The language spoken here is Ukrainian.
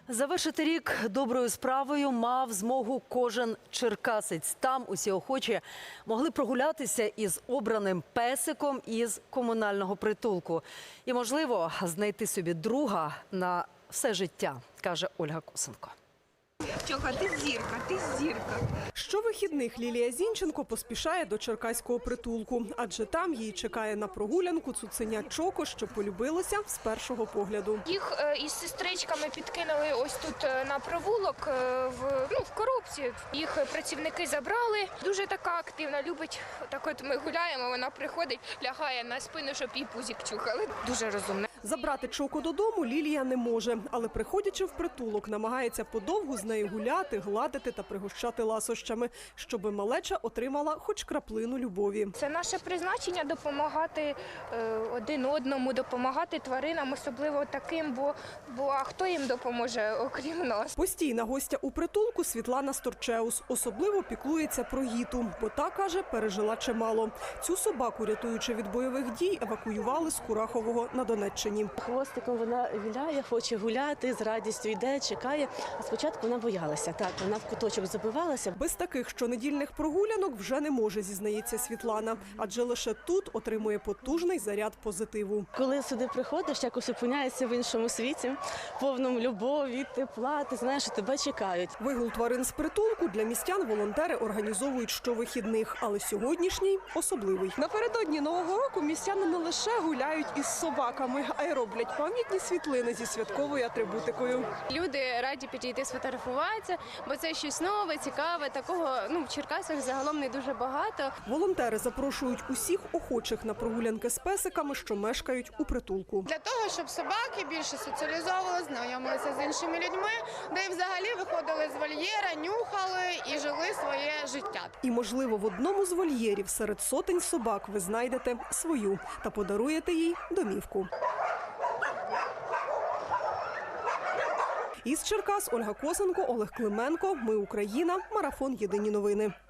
Завершити рік доброю справою мав змогу кожен черкасець. Там усі охочі могли прогулятися із обраним песиком із комунального притулку. І, можливо, знайти собі друга на все життя, каже Ольга Косенко. Чоха, ти зірка, ти зірка. Щовихідних Лілія Зінченко поспішає до черкаського притулку, адже там її чекає на прогулянку цуценя Чоко, що полюбилося з першого погляду. Їх із сестричками підкинули ось тут на провулок, в коробці. Їх працівники забрали. Дуже така активна, любить. Так от ми гуляємо, вона приходить, лягає на спину, щоб її пузик чухали. Дуже розумна. Забрати Чоко додому Лілія не може, але приходячи в притулок, намагається подовгу з нею гуляти, гладити та пригощати ласощами, щоби малеча отримала хоч краплину любові. Це наше призначення – допомагати один одному, допомагати тваринам, особливо таким, бо а хто їм допоможе, окрім нас? Постійна гостя у притулку Світлана Сторчеус особливо піклується про Гіту, бо та, каже, пережила чимало. Цю собаку, рятуючи від бойових дій, евакуювали з Курахового на Донеччині. Хвостиком вона віляє, хоче гуляти, з радістю йде, чекає. А спочатку вона боялася, так, вона в куточок забивалася. Без таких щонедільних прогулянок вже не може, зізнається Світлана, адже лише тут отримує потужний заряд позитиву. Коли сюди приходиш, якось опиняєшся в іншому світі, повному любові, тепла, ти знаєш, що тебе чекають. Вигул тварин з притулку для містян волонтери організовують щовихідних, але сьогоднішній особливий. Напередодні Нового року містяни не лише гуляють із собаками, а й роблять пам'ятні світлини зі святковою атрибутикою. Люди раді підійти сфотографуватися, бо це щось нове, цікаве. Такого в Черкасах загалом не дуже багато. Волонтери запрошують усіх охочих на прогулянки з песиками, що мешкають у притулку. Для того, щоб собаки більше соціалізовувалися, знайомилися з іншими людьми, де й взагалі виходили з вольєра, нюхали і жили своє життя. І, можливо, в одному з вольєрів серед сотень собак ви знайдете свою та подаруєте їй домівку. Із Черкас Ольга Косенко, Олег Клименко. Ми Україна. Марафон. Єдині новини.